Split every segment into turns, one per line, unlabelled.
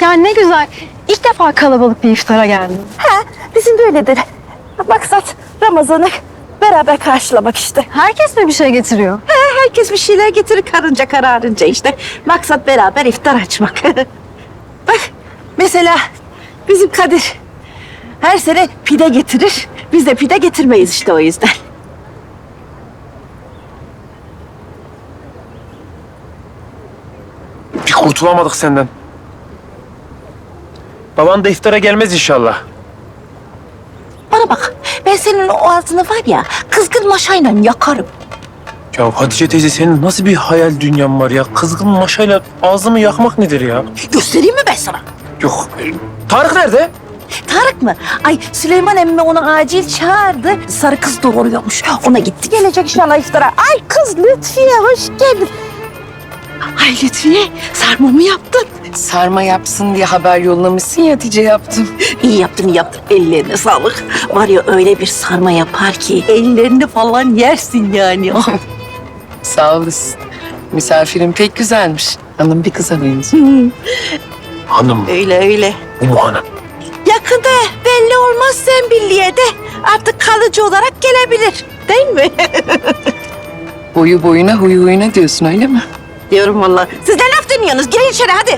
Yani ne güzel. İlk defa kalabalık bir iftara geldim.
Bizim de öyledir. Maksat Ramazan'ı beraber karşılamak işte.
Herkes mi bir şey getiriyor?
Herkes bir şeyler getirir karınca kararınca işte. Maksat beraber iftar açmak. Bak mesela bizim Kadir her sene pide getirir. Biz de pide getirmeyiz işte o yüzden.
Bir kurtulamadık senden. Baban da iftara gelmez inşallah.
Bana bak, ben senin o ağzını var ya kızgın maşayla yakarım.
Ya Hatice teyze senin nasıl bir hayal dünyan var ya? Kızgın maşayla ağzımı yakmak nedir ya?
Göstereyim mi ben sana?
Yok. Tarık nerede?
Tarık mı? Ay Süleyman emmi onu acil çağırdı. Sarı kız doğuruyormuş. Ona gitti gelecek inşallah iftara. Ay kız Lütfiye hoş geldin. Ay Lütfiye sarma mı yaptın?
Sarma yapsın diye haber yollamışsın ya, Hatice yaptım.
İyi yaptın iyi yaptın. Ellerine sağlık. Var ya öyle bir sarma yapar ki ellerini falan yersin yani.
Sağ olasın. Misafirin pek güzelmiş. Hanım bir kıza benziyor.
Hanım.
öyle öyle.
Bu hanım.
Yakında belli olmaz sen birliğe de artık kalıcı olarak gelebilir. Değil mi?
Boyu boyuna huyu huyuna diyorsun öyle mi?
Diyorum vallahi. Siz ne laf dinliyorsunuz? Girin içeri hadi.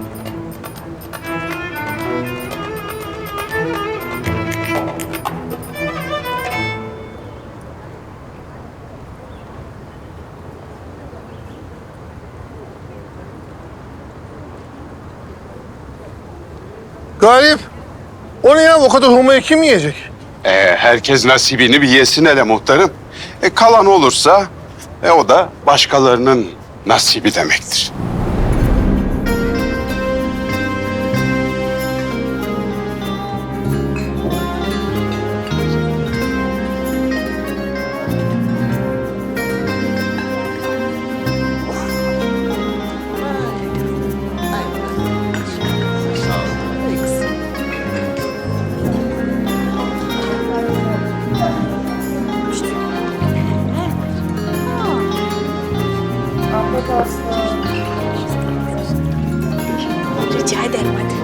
Galip, o ne ya? O kadar hurmayı kim yiyecek?
Herkes nasibini bir yesin hele muhtarım. Kalan olursa o da başkalarının nasibi demektir.
Rica ederim hadi.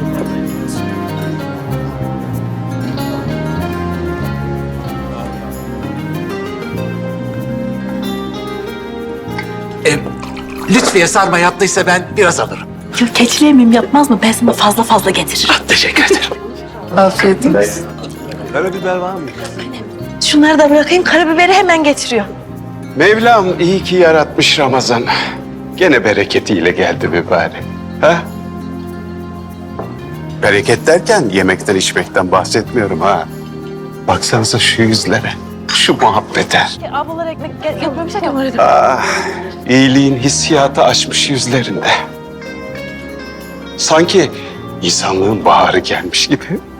Lütfiye sarma yaptıysa ben biraz alırım.
Yok keçili emmim yapmaz mı? Ben sana fazla fazla getiririm.
Teşekkür ederim.
Afiyet olsun.
Karabiber var mı?
Şunları da bırakayım. Karabiberi hemen getiriyor.
Mevlam iyi ki yaratmış Ramazan. Gene bereketiyle geldi mübarek. Ha? Bereket derken yemekten içmekten bahsetmiyorum ha. Baksanıza şu yüzlere, şu muhabbete.
Ablalar ekmek yapmamışlar ya onları
Ah, iyiliğin hissiyatı açmış yüzlerinde. Sanki insanlığın baharı gelmiş gibi.